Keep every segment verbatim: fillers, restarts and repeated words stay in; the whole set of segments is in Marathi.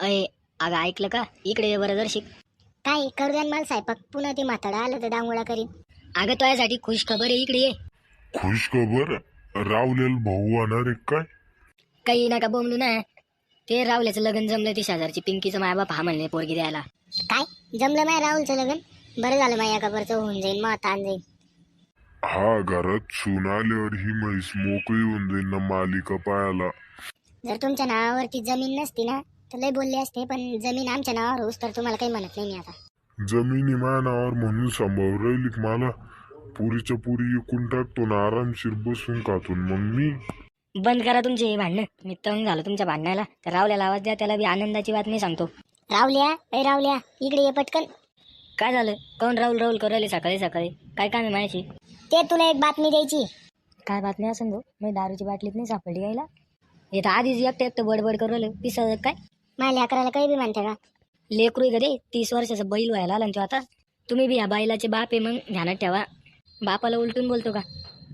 अय अगं ऐकलं का? इकडे ये बरं जरशीक. काय करू द्या मला स्वयंपाक, पुन्हा ते म्हाताडा आलं तर डांगोळा करीन. अगं तुझ्यासाठी खुश खबर आहे, इकडे ये. खुश खबर रावलेल भाऊ होणार आहे काय? काही नका बोंबलू ना. ते रावल्याचं लग्न जमलं, ती शेजारची पिंकीचं मायबाप हा म्हणले पोरगी द्यायला. काय जमलं माय राहुलचं लग्न? बरं झालं माया खबरचं होऊन जाईन, मग ताण जाईन. हा घरात सून आल्यावर ही म्हैस मोकळी होऊन जाईल ना मालिका पायाला. जर तुमच्या नावावरती जमीन नसती ना तर लय बोलले असते, पण जमीन आमच्या नावावर होऊस तर तुम्हाला काही म्हणत नाही मी आता. जमिनी माझ्या नावावर म्हणून सांभाळून राहिली का मला? पुरीच्या पुरी एकूण टाकतो ना आरामशीर बसून खातून मग मी. बंद करा तुमचे हे भांडणं. मी तंग झालो तुमच्या भांडणाला. तर रावल्याला आवाज द्या, त्याला बी आनंदाची बातमी सांगतो. रावल्या ए रावल्या इकडे ये पटकन. काय झालं? कोण राहुल राहुल करू राहिले सकाळी सकाळी? काय काम आहे माझ्याशी? ते तुला एक बातमी द्यायची. काय बातमी असेल तो? मी दारूची बाटलीत नाही सापडली यायला. हे तर आधीच एकटं एकटं बडबड करू राहिलं. पिसळ काय माझ्या लेकराला काही बी म्हणते का? लेकरू आहे रे, तीस वर्षाचा बैल व्हायला आला ना तो आता. तुम्ही बी या बैलाचे बाप आहे, मग ध्यानात ठेवा. बापाला उलटून बोलतो का?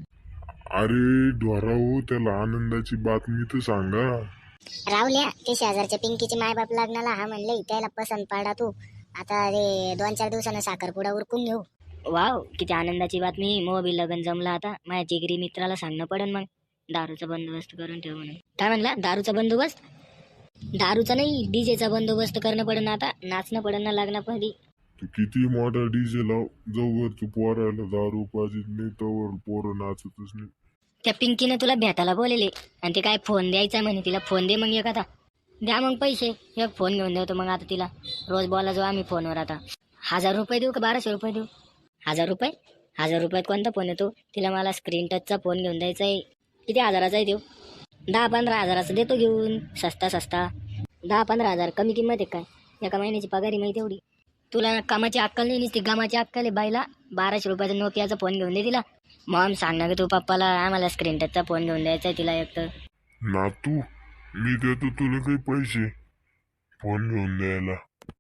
अरे ढोरा हो, त्याला आनंदाची बातमी तर सांगा. रावल्या ते शेजारच्या पिंकीचे मायबाप लग्नाला हा म्हणले, त्याला पसंत पडा तू. आता रे दोन चार दिवसानं साखरपुडा उरकून घेऊ. वाव, किती आनंदाची बातमी. मग बी लग्न जमलं आता. माझ्या जिगरी मित्राला सांगणं पडेल मग दारूचा बंदोबस्त करून ठेव म्हणून. काय म्हणला? दारूचा बंदोबस्त? दारूचा नाही, डीजेचा बंदोबस्त करणं पडेल ना आता. नाचणं पडेल ना लग्नापदी. तू किती मोठा डीजे लाव, जवळ तू पोरायला दारू पाजित नाही तवर पोरं नाचतच नाही. त्या पिंकीने तुला भेटायला बोलेले आणि ते काय फोन द्यायचा म्हणे तिला. फोन दे मग एखादा. द्या मग पैसे, एक फोन घेऊन देतो मग आता तिला. रोज बोला जो आम्ही फोनवर आता. हजार रुपये देऊ का बाराशे रुपये देऊ? हजार रुपये? हजार रुपयात कोणता फोन येतो? तिला मला स्क्रीन टचचा फोन घेऊन द्यायचा आहे. किती हजाराचा आहे देऊ? दहा पंधरा हजाराचा देतो घेऊन. सस्ता सस्ता दहा पंधरा हजार कमी किंमत आहे काय? एका महिन्याची पगारी माहिती एवढी. तुला कामाची अक्कल नाही, नुसती कामाची अक्कल आहे बाईला. बाराशे रुपयाचा नोकियाचा फोन घेऊन दे तिला. मॉम सांग ना ग तू पप्पाला, आम्हाला स्क्रीन टचचा फोन घेऊन द्यायचा आहे तिला एक तर. नातू मी देतो तुला काही पैसे फोन घेऊन द्यायला.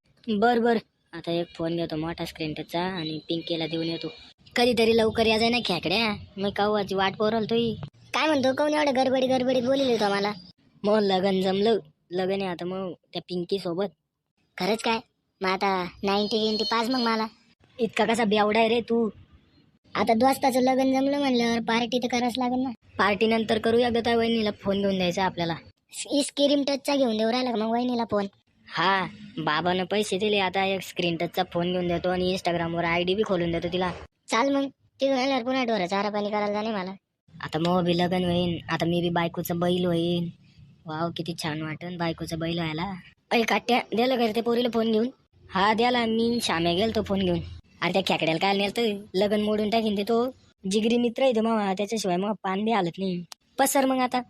बर बर, आता एक फोन घेतो मोठा स्क्रीन टचचा आणि पिंकीला देऊन येतो. कधीतरी लवकर या जाय ना खेकड्या, मी कवाची वाट पोरल तोही. काय म्हणतो कोण एवढं गडबडी गडबडीत बोलले तो आम्हाला? मग लगन जमलं. लगन आहे आता मग त्या पिंकी सोबत. खरंच काय? मग आता नाईन्टी नाईन्टी पाच मग मला. इतका कसा बेवडा आहे रे तू? आता दोस्ताचं लग्न जमलं म्हणल्यावर पार्टी तर करावंच लागेल ना. पार्टी नंतर करूया ग. त्या वहिनीला फोन घेऊन द्यायचा आपल्याला. स्क्रीन टचचा घेऊन देऊ राहिला का मग वहिनीला फोन? हा, बाबानं पैसे दिले, आता एक स्क्रीन टचचा फोन घेऊन देतो आणि इंस्टाग्रामवर आय डी बी खोलून देतो तिला. चाल मग तिथून आल्यावर पुन्हा ढोरं चारा पाणी करायला जाणे मला. आता मग बी लग्न होईन. आता मी बी बायकोचं बैल होईन. वाव, किती छान वाटन बायकोचं बैल व्हायला. अय काट्या, द्याला का ते पोरीला फोन घेऊन? हा द्याला, मी शाम्या गेल तो फोन घेऊन. अरे त्या खेकड्याला काय नेलं, लग्न मोडून टाकीन ते. तो जिगरी मित्र आहे तो मग, त्याच्याशिवाय मग पान बी हालत नाही. पसर मग आता.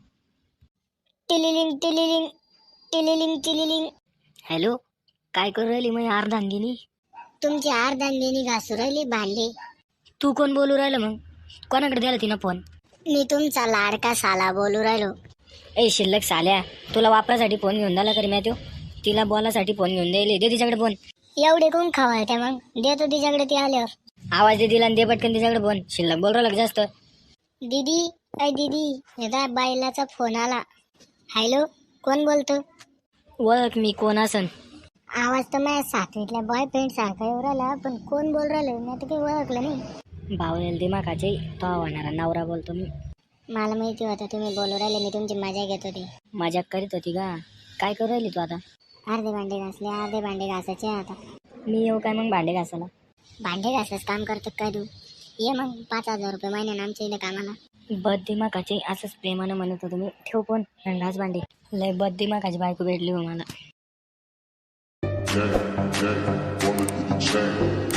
टिलिलिंग टिलिलिंग टिलिलिंग टिलिलिंग. हॅलो, काय करू राहिली मग अर्धांगिनी? तुमची अर्धांगिनी घासू राहिली भांडे. तू कोण बोलू राहिलं मग? कोणाकडे द्याला तिनं फोन? मी तुमचा लाडका साला बोलू राहिलो. ए शिल्लक साल्या, तुला वापरासाठी फोन घेऊन द्याला करी मी तो? तिला बोलासाठी फोन घेऊन द्यायला दे तिच्याकडे फोन. एवढे कोण खवळत्या मग? देतो तिच्याकडे ती आल्यावर. आवाज दे तिला आणि दे पटकन तिच्याकडे फोन. शिल्लक बोल राहिला जास्त. दीदी अय दीदी, हे बायलाचा फोन आला. हॅलो, कोण बोलतो? ओळख मी कोण असन? आवाज तर माझ्या सातवीतल्या बॉयफ्रेंड सारखा येऊ राहिला, पण कोण बोल राहिलं मी आता काही ओळखलं नाही. भावनेल दिमाखाचे तो होणारा नवरा बोलतो मी. मला माहिती होतं तुम्ही बोलू राहिले, मी तुमची मजा घेत होती. मजाक करीत होती का? काय करू राहिली तू आता? अर्धे भांडे घासले, अर्धे भांडे घासायचे आता. मी येऊ काय मग भांडे घासायला? भांडे घासायचं काम करतो काय तू? ये मग पाच हजार रुपये महिन्यानं आमच्या इथे कामाला. बद दिमाखाचे असंच प्रेमानं म्हणत होतो मी. ठेव फोन आणि घास भांडे. लय बद दिमाखाची बायको भेटली हो मला. Jack, Jack, wanna do the chain.